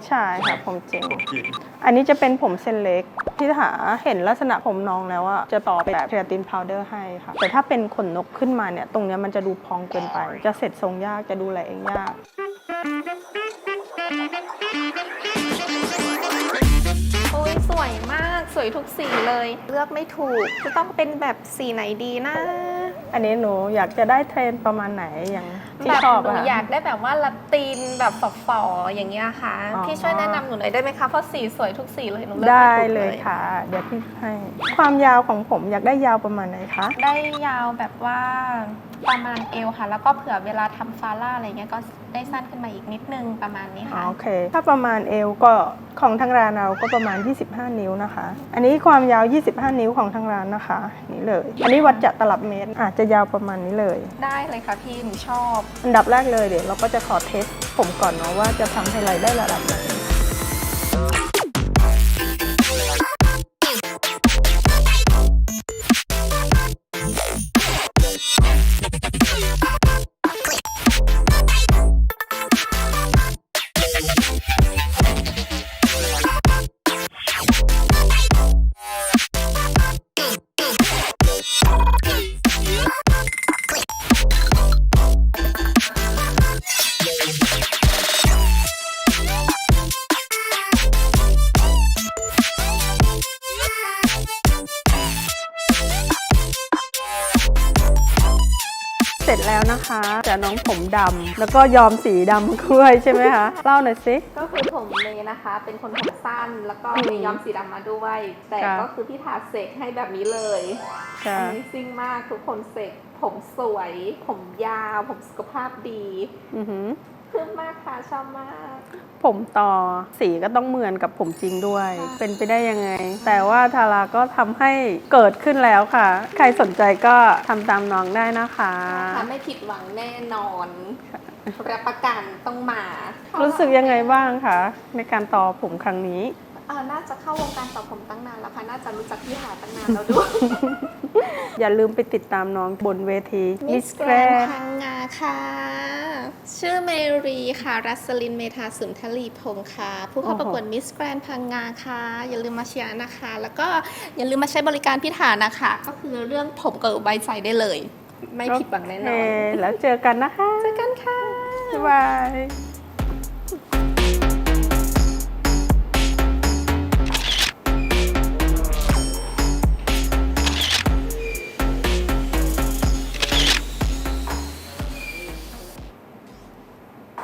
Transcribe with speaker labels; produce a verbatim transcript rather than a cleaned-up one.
Speaker 1: ใช่ค่ะผมจริง
Speaker 2: ผมจริง
Speaker 1: อันนี้จะเป็นผมเส้นเล็กพี่หาเห็นลักษณะผมน้องแล้วว่าจะต่อเป็นแบบเคราตินพาวเดอร์ให้ค่ะแต่ถ้าเป็นขนนกขึ้นมาเนี่ยตรงเนี้ยมันจะดูพองเกินไปจะเสร็จทรงยากจะดูแลเองยาก
Speaker 3: โอ้ยสวยมากสวยทุกสีเลยเลือกไม่ถูกจะต้องเป็นแบบสีไหนดีนะ
Speaker 1: อันนี้หนูอยากจะได้เทรนประมาณไหนอย่างที่
Speaker 3: แบบ
Speaker 1: ชอบ
Speaker 3: หนู
Speaker 1: อะ
Speaker 3: อยากได้แบบว่าละตินแบบฝ่อๆอย่างเงี้ยค่ะ
Speaker 1: อ๋อ
Speaker 3: พี่ช่วยแนะนำหนูหน่อยได้ไหมคะเพราะสีสวยทุกสีเลยหนูเลือก
Speaker 1: ได้
Speaker 3: ไม่ถูก
Speaker 1: เล
Speaker 3: เลย ย
Speaker 1: ค่ะ เดี๋ยวพี่ให้ความยาวของผมอยากได้ยาวประมาณไหนคะ
Speaker 3: ได้ยาวแบบว่าประมาณเอวค่ะ แล้วก็เผื่อเวลาทำฟาร่าอะไรเงี้ยก็ได้สั้นขึ้นมาอีกนิดนึงประมาณนี้
Speaker 1: อ๋อ
Speaker 3: ค่ะ
Speaker 1: โอเค ถ้าประมาณเอวก็ของทางร้านเราก็ประมาณยี่สิบห้านิ้วนะคะ อันนี้ความยาวยี่สิบห้านิ้วของทางร้านนะคะนี่เลย อันนี้วัดจากตลับเมตรอาจจะยาวประมาณนี้เลย
Speaker 3: ได้เลยค่ะพี่หนูชอบ
Speaker 1: อันดับแรกเลยเดี๋ยวเราก็จะขอเทสผมก่อนเนาะว่าจะทำให้ไรได้ระดับไหนเสร็จแล้วนะคะจะน้องผมดำแล้วก็ยอมสีดำด้วยใช่ไหมคะเล่าหน่อยสิ
Speaker 3: ก็คือผมเมย์นะคะ เป็นคนผมสั้นแล้วก็มีย้อมสีดำมาด้วย แต่
Speaker 1: ค่ะ
Speaker 3: ก็คือพี่ถาเสกให้แบบนี้เลย
Speaker 1: ค่ะ
Speaker 3: Amazing มากทุกคนเสกผมสวย ผมยาว ผมสุขภาพดี
Speaker 1: อือหือ
Speaker 3: เพิ่มมากค่ะชอบมาก
Speaker 1: ผมต่อสีก็ต้องเหมือนกับผมจริงด้วย
Speaker 3: ค่ะ
Speaker 1: เป็นไปได้ยังไง แต่ว่าทาราก็ทำให้เกิดขึ้นแล้วค่ะ ใครสนใจก็ทำตามน้องได้นะคะ
Speaker 3: ค่ะไม่ผิดหวังแน่นอนรับประกันต้องมา
Speaker 1: รู้สึกยังไงบ้างคะในการต่อผมครั้งนี้
Speaker 3: เออน่าจะเข้าวงการต่อผมตั้งนานแล้วค่ะ น่าจะรู้จักพี่หาตั้งนานแล้วด้วย
Speaker 1: อย่าลืมไปติดตามน้องบนเวที
Speaker 3: มิส
Speaker 1: Miss
Speaker 3: แกรน
Speaker 1: Grand
Speaker 3: พังงาค่ะ ชื่อเมรีค่ะ รัสลินเมธาสุนทรีพงค์ค่ะ ผู้เข้าประกวดมิสแกรนพังงาค่ะ อย่าลืมมาเชียร์นะคะ แล้วก็อย่าลืมมาใช้บริการพี่ฐานนะคะ ก็คือเรื่องผมกับใบใจได้เลย ไม่ผิดหวังแน่นอน
Speaker 1: โอเคแล้วเจอกันนะคะ
Speaker 3: เจอกันค่ะ
Speaker 1: บ๊ายบาย